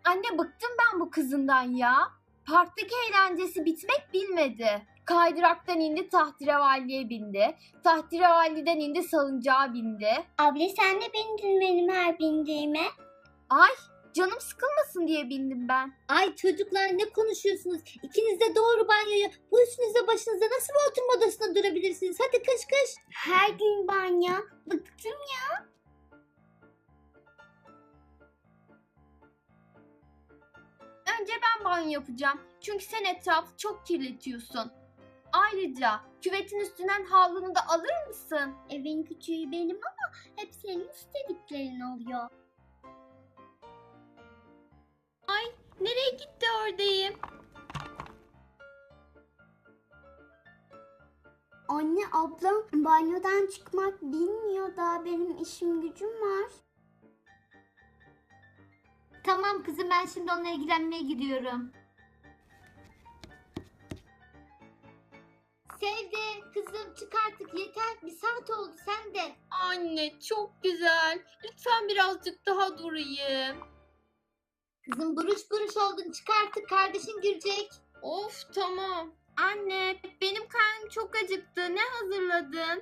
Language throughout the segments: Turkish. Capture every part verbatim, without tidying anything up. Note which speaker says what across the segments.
Speaker 1: Anne bıktım ben bu kızından ya. Parktaki eğlencesi bitmek bilmedi. Kaydıraktan indi tahterevalliye bindi. Tahterevalliden indi salıncağa bindi.
Speaker 2: Abla sen de bindin benim her bindiğime.
Speaker 1: Ay canım sıkılmasın diye bindim ben.
Speaker 3: Ay çocuklar ne konuşuyorsunuz? İkiniz de doğru banyoya. Bu üstünüze başınıza nasıl bir oturma odasında durabilirsiniz? Hadi kış kış.
Speaker 2: Her gün banyo. Bıktım ya.
Speaker 1: Önce ben banyo yapacağım. Çünkü sen etrafı çok kirletiyorsun. Ayrıca küvetin üstünden havlunu da alır mısın?
Speaker 2: Evin küçüğü benim ama hep senin istediklerin oluyor.
Speaker 1: Nereye gitti oradayım?
Speaker 2: Anne ablam banyodan çıkmak bilmiyor, daha benim işim gücüm var.
Speaker 3: Tamam kızım ben şimdi onunla ilgilenmeye gidiyorum. Sevde kızım çık artık yeter. Bir saat oldu sen de.
Speaker 1: Anne çok güzel. Lütfen birazcık daha durayım.
Speaker 3: Kızım buruş buruş oldun çık artık kardeşin girecek.
Speaker 1: Of tamam. Anne benim karnım çok acıktı. Ne hazırladın?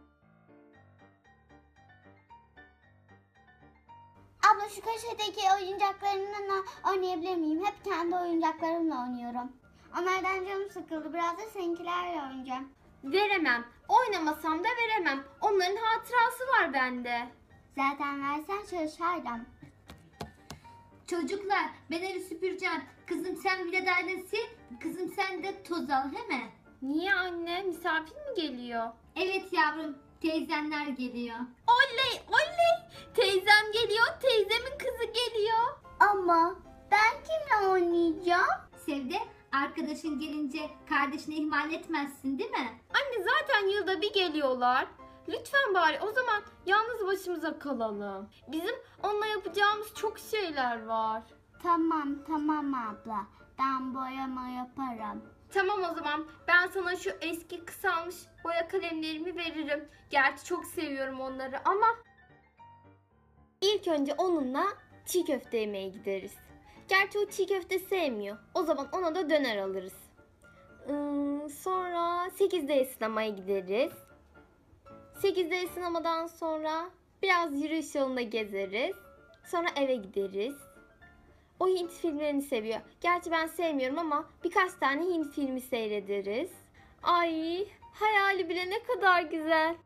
Speaker 2: Abla şu köşedeki oyuncaklarımla oynayabilir miyim? Hep kendi oyuncaklarımla oynuyorum. Onlardan canım sıkıldı. Biraz da seninkilerle oynayacağım.
Speaker 1: Veremem. Oynamasam da veremem. Onların hatırası var bende.
Speaker 2: Zaten versen çalışırdım.
Speaker 3: Çocuklar ben evi süpüreceğim. Kızım sen vidalarını sil. Kızım sen de toz al he mi?
Speaker 1: Niye anne? Misafir mi geliyor?
Speaker 3: Evet yavrum teyzenler geliyor.
Speaker 1: Oley oley. Teyzem geliyor. Teyzemin kızı geliyor.
Speaker 2: Ama ben kimle oynayacağım?
Speaker 3: Sevde arkadaşın gelince kardeşini ihmal etmezsin değil mi?
Speaker 1: Anne zaten yılda bir geliyorlar. Lütfen bari o zaman yalnız başımıza kalalım. Bizim onunla yapacağımız çok şeyler var.
Speaker 2: Tamam tamam abla. Ben boyama yaparım.
Speaker 1: Tamam o zaman ben sana şu eski kısalmış boya kalemlerimi veririm. Gerçi çok seviyorum onları ama ilk önce onunla çiğ köfte yemeye gideriz. Gerçi o çiğ köfte sevmiyor. O zaman ona da döner alırız. Ee, sonra sekizde sinemaya gideriz. sekizde sinemadan sonra biraz yürüyüş yolunda gezeriz. Sonra eve gideriz. O Hint filmlerini seviyor. Gerçi ben sevmiyorum ama birkaç tane Hint filmi seyrederiz. Ay, hayali bile ne kadar güzel.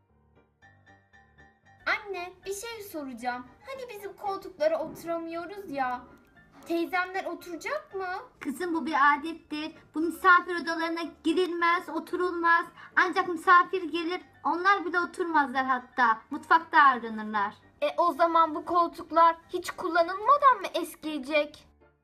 Speaker 1: Anne, bir şey soracağım. Hani bizim koltuklara oturamıyoruz ya. Teyzemler oturacak mı?
Speaker 3: Kızım bu bir adettir. Bu misafir odalarına girilmez, oturulmaz. Ancak misafir gelir, onlar bile oturmazlar hatta. Mutfakta ağırlanırlar.
Speaker 1: E o zaman bu koltuklar hiç kullanılmadan mı eskiyecek?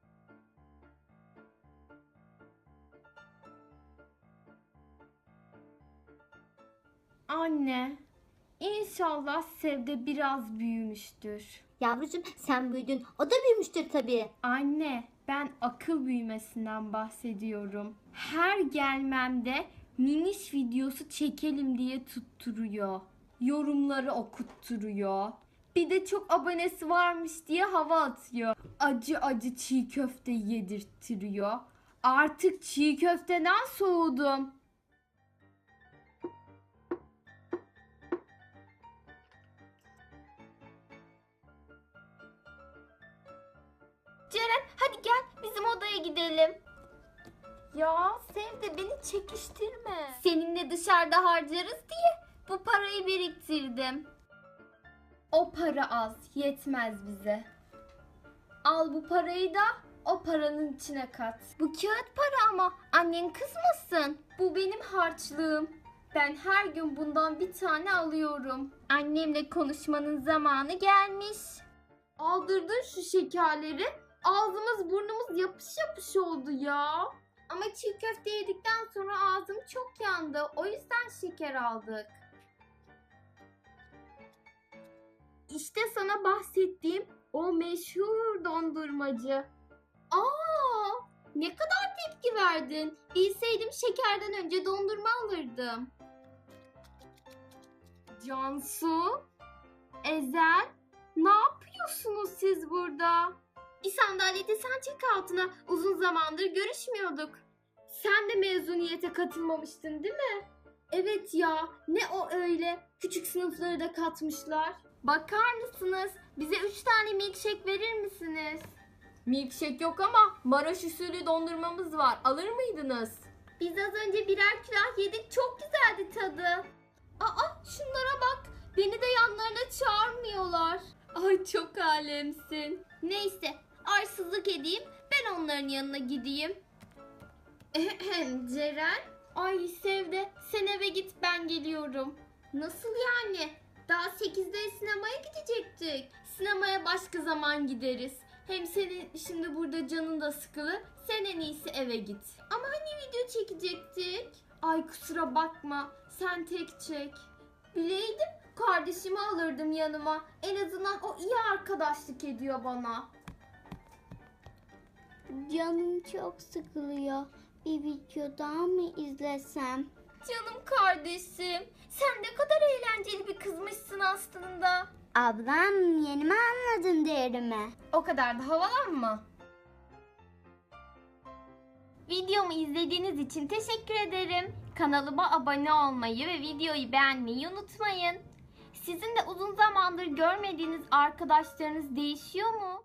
Speaker 1: Anne, inşallah Sevde biraz büyümüştür.
Speaker 3: Yavrucuğum sen büyüdün, o da büyümüştür tabii.
Speaker 1: Anne, ben akıl büyümesinden bahsediyorum. Her gelmemde miniş videosu çekelim diye tutturuyor. Yorumları okutturuyor. Bir de çok abonesi varmış diye hava atıyor. Acı acı çiğ köfte yedirttiriyor. Artık çiğ köfteden soğudum. Ceren hadi gel bizim odaya gidelim. Ya Sevde beni çekiştirme. Seninle dışarıda harcarız diye bu parayı biriktirdim. O para az, yetmez bize. Al bu parayı da o paranın içine kat. Bu kağıt para ama annen kızmasın. Bu benim harçlığım. Ben her gün bundan bir tane alıyorum. Annemle konuşmanın zamanı gelmiş. Aldırdın şu şekerleri. Ağzımız burnumuz yapış yapış oldu ya. Ama çiğ köfte yedikten sonra ağzım çok yandı. O yüzden şeker aldık. İşte sana bahsettiğim o meşhur dondurmacı. Aa, ne kadar tepki verdin. Bilseydim şekerden önce dondurma alırdım. Cansu, Ezel, ne yapıyorsunuz siz burada? Bir sandalyede sen çek altına. Uzun zamandır görüşmüyorduk. Sen de mezuniyete katılmamıştın değil mi? Evet ya, ne o öyle? Küçük sınıfları da katmışlar. Bakar mısınız? Bize üç tane milkshake verir misiniz? Milkshake yok ama Maraş usulü dondurmamız var. Alır mıydınız? Biz az önce birer külah yedik. Çok güzeldi tadı. Aa, şunlara bak. Beni de yanlarına çağırmıyorlar. Ay çok alemsin. Neyse, arsızlık edeyim. Ben onların yanına gideyim. Ceren? Ay Sevde, sen eve git, ben geliyorum. Nasıl yani? Daha sekizde sinemaya gidecektik. Sinemaya başka zaman gideriz. Hem senin şimdi burada canın da sıkılı. Sen en iyisi eve git. Ama hani video çekecektik? Ay kusura bakma. Sen tek çek. Bileydim kardeşimi alırdım yanıma. En azından o iyi arkadaşlık ediyor bana.
Speaker 2: Canım çok sıkılıyor. Bir video daha mı izlesem?
Speaker 1: Canım kardeşim. Sen ne kadar eğlenceli bir kızmışsın aslında.
Speaker 2: Ablam yeni mi anladın değerimi?
Speaker 1: O kadar da havalanma. Videomu izlediğiniz için teşekkür ederim. Kanalıma abone olmayı ve videoyu beğenmeyi unutmayın. Sizin de uzun zamandır görmediğiniz arkadaşlarınız değişiyor mu?